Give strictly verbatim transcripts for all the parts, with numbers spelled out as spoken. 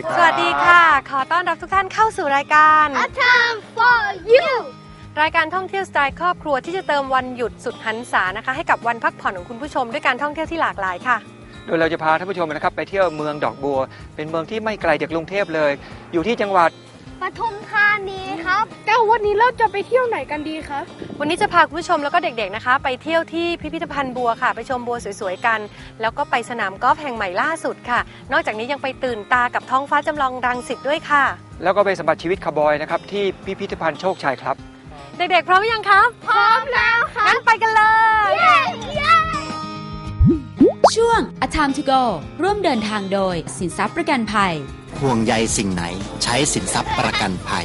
สวัสดีค่ะขอต้อนรับทุกท่านเข้าสู่รายการ A Time for You รายการท่องเที่ยวสไตล์ครอบครัวที่จะเติมวันหยุดสุดหันษานะคะให้กับวันพักผ่อนของคุณผู้ชมด้วยการท่องเที่ยวที่หลากหลายค่ะโดยเราจะพาท่านผู้ชมนะครับไปเที่ยวเมืองดอกบัวเป็นเมืองที่ไม่ไกลจากกรุงเทพเลยอยู่ที่จังหวัดปทุมธานีครับแต่วันนี้เราจะไปเที่ยวไหนกันดีคะวันนี้จะพาคุณผู้ชมแล้วก็เด็กๆนะคะไปเที่ยวที่พิพิธภัณฑ์บัวค่ะไปชมบัวสวยๆกันแล้วก็ไปสนามกอล์ฟแห่งใหม่ล่าสุดค่ะนอกจากนี้ยังไปตื่นตากับท้องฟ้าจำลองรังสิตด้วยค่ะแล้วก็ไปสัมผัสชีวิตคาวบอยนะครับที่พิพิธภัณฑ์โชคชัยครับเด็กๆพร้อมหรือยังครับพร้อมแล้วค่ะงั้นไปกันเลยช่วง A Time to Go ร่วมเดินทางโดยสินทรัพย์ประกันภัยห่วงใยสิ่งไหนใช้สินทรัพย์ประกันภัย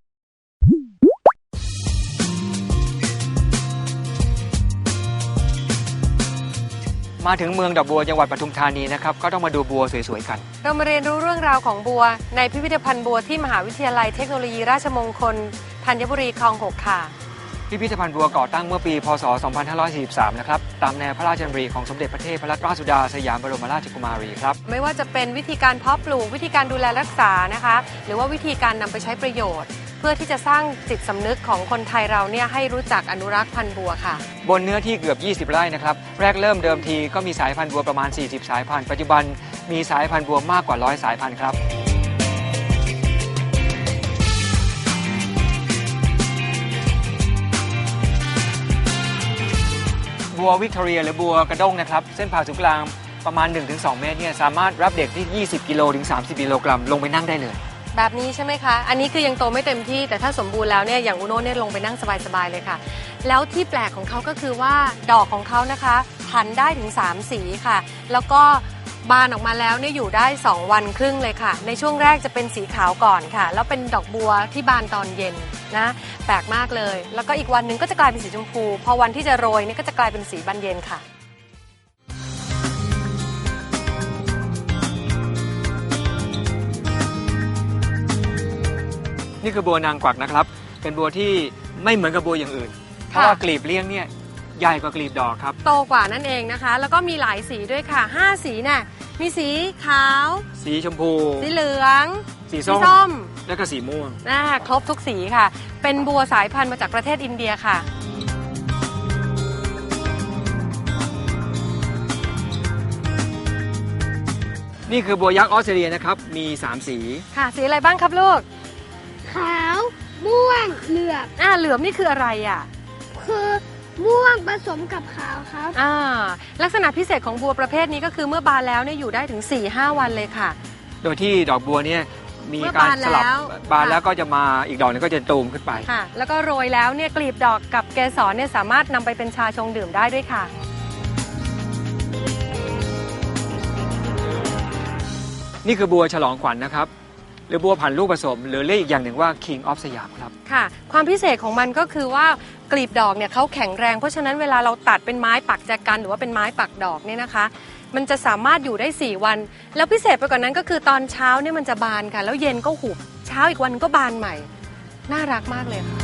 มาถึงเมืองดอกบัวจังหวัดปทุมธานีนะครับก็ต้องมาดูบัวสวยๆกันเรามาเรียนรู้เรื่องราวของบัวในพิพิธภัณฑ์บัวที่มหาวิทยาลัยเทคโนโลยีราชมงคลธัญบุรีคลองหกค่ะพิพิธภัณฑ์บัวก่อตั้งเมื่อปีพ.ศ. สองพันห้าร้อยสี่สิบสามนะครับตามแนวพระราชดำริของสมเด็จพระเทพรัตนราชสุดาสยามบรมราชกุมารีครับไม่ว่าจะเป็นวิธีการเพาะปลูกวิธีการดูแลรักษานะคะหรือว่าวิธีการนำไปใช้ประโยชน์เพื่อที่จะสร้างจิตสำนึกของคนไทยเราเนี่ยให้รู้จักอนุรักษ์พันธุ์บัวค่ะบนเนื้อที่เกือบยี่สิบไร่นะครับแรกเริ่มเดิมทีก็มีสายพันธุ์บัวประมาณสี่สิบสายพันธุ์ปัจจุบันมีสายพันธุ์บัวมากกว่าร้อยสายพันธุ์ครับบัววิกตอเรียหรือบัวกระด้งนะครับเส้นผ่าศูนย์กลางประมาณ หนึ่งถึงสอง เมตรเนี่ยสามารถรับเด็กที่ยี่สิบกิโลถึงสามสิบกิโลกรัมลงไปนั่งได้เลยแบบนี้ใช่ไหมคะอันนี้คือยังโตไม่เต็มที่แต่ถ้าสมบูรณ์แล้วเนี่ยอย่างอุโน่เนี่ยลงไปนั่งสบายๆเลยค่ะแล้วที่แปลกของเขาก็คือว่าดอกของเขานะคะพันได้ถึงสามสีค่ะแล้วก็บานออกมาแล้วเนี่ยอยู่ได้สองวันครึ่งเลยค่ะในช่วงแรกจะเป็นสีขาวก่อนค่ะแล้วเป็นดอกบัวที่บานตอนเย็นนะแปลกมากเลยแล้วก็อีกวันหนึ่งก็จะกลายเป็นสีชมพูพอวันที่จะโรยเนี่ยก็จะกลายเป็นสีบานเย็นค่ะนี่คือบัวนางกวักนะครับเป็นบัวที่ไม่เหมือนกับบัวอย่างอื่นเพราะว่ากลีบเลี้ยงเนี่ยใหญ่กว่ากลีบดอกครับโตกว่านั่นเองนะคะแล้วก็มีหลายสีด้วยค่ะห้าสีน่ะมีสีขาวสีชมพูสีเหลืองสีส้มแล้วก็สีม่วงน่าครบทุกสีค่ะเป็นบัวสายพันธุ์มาจากประเทศอินเดียค่ะนี่คือบัวยักษ์ออสเตรเลียนะครับมีสามสีค่ะสีอะไรบ้างครับลูกขาวม่วงเหลือบอ่าเหลือบนี่คืออะไรอ่ะคือม่วงผสมกับขาวครับอ่าลักษณะพิเศษของบัวประเภทนี้ก็คือเมื่อบานแล้วเนี่ยอยู่ได้ถึง สี่ห้า วันเลยค่ะโดยที่ดอกบัวเนี่ยมีการสลับบานแล้วก็จะมาอีกดอกนึงก็จะตูมขึ้นไปค่ะแล้วก็โรยแล้วเนี่ยกลีบดอกกับเกสรเนี่ยสามารถนำไปเป็นชาชงดื่มได้ด้วยค่ะนี่คือบัวฉลองขวัญ นะครับหรือบัวผันลูกผสมหรือเรียกอีกอย่างหนึ่งว่า King of สยามครับค่ะความพิเศษของมันก็คือว่ากลีบดอกเนี่ยเขาแข็งแรงเพราะฉะนั้นเวลาเราตัดเป็นไม้ปักแจกันหรือว่าเป็นไม้ปักดอกเนี่ยนะคะมันจะสามารถอยู่ได้สี่วันแล้วพิเศษไปกว่านั้นก็คือตอนเช้าเนี่ยมันจะบานค่ะแล้วเย็นก็หุบเช้าอีกวันก็บานใหม่น่ารักมากเลยค่ะ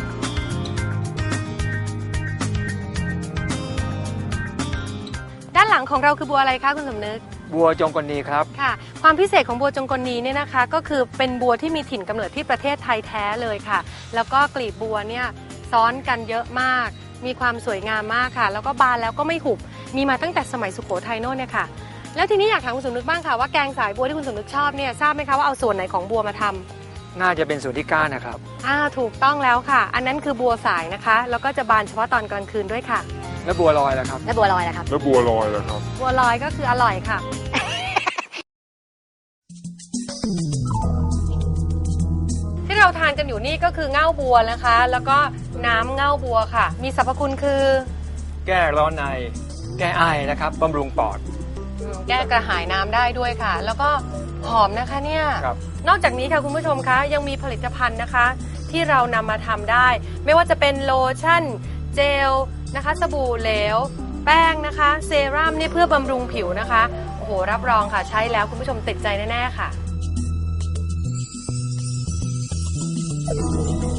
ด้านหลังของเราคือบัวอะไรคะคุณสมนึกบัวจงกลนีครับค่ะความพิเศษของบัวจงกลนีเนี่ยนะคะก็คือเป็นบัวที่มีถิ่นกำเนิดที่ประเทศไทยแท้เลยค่ะแล้วก็กลีบบัวเนี่ยซ้อนกันเยอะมากมีความสวยงามมากค่ะแล้วก็บานแล้วก็ไม่หุบมีมาตั้งแต่สมัยสุโขทัยโน่นเนี่ยค่ะแล้วทีนี้อยากถามคุณสมนึกบ้างค่ะว่าแกงสายบัวที่คุณสมนึกชอบเนี่ยทราบไหมคะว่าเอาส่วนไหนของบัวมาทำน่าจะเป็นส่วนที่ก้านนะครับอ่าถูกต้องแล้วค่ะอันนั้นคือบัวสายนะคะแล้วก็จะบานเฉพาะตอนกลางคืนด้วยค่ะแล้วบัวลอยล่ะครับแล้วบัวลอยล่ะครับแล้วบัวลอยล่ะครับบัวลอยก็คืออร่อยค่ะที่เราทานกันอยู่นี่ก็คือเง่าบัวนะคะแล้วก็น้ำเง่าบัวค่ะมีสรรพคุณคือแก้ร้อนในแก้ไอนะครับบำรุงปอดแก้กระหายน้ำได้ด้วยค่ะแล้วก็หอมนะคะเนี่ยนอกจากนี้ค่ะคุณผู้ชมคะยังมีผลิตภัณฑ์นะคะที่เรานำมาทำได้ไม่ว่าจะเป็นโลชั่นเจลนะคะสบู่เหลวแป้งนะคะเซรั่มเนี่ยเพื่อบำรุงผิวนะคะโอ้โหรับรองค่ะใช้แล้วคุณผู้ชมติดใจแน่ๆค่ะ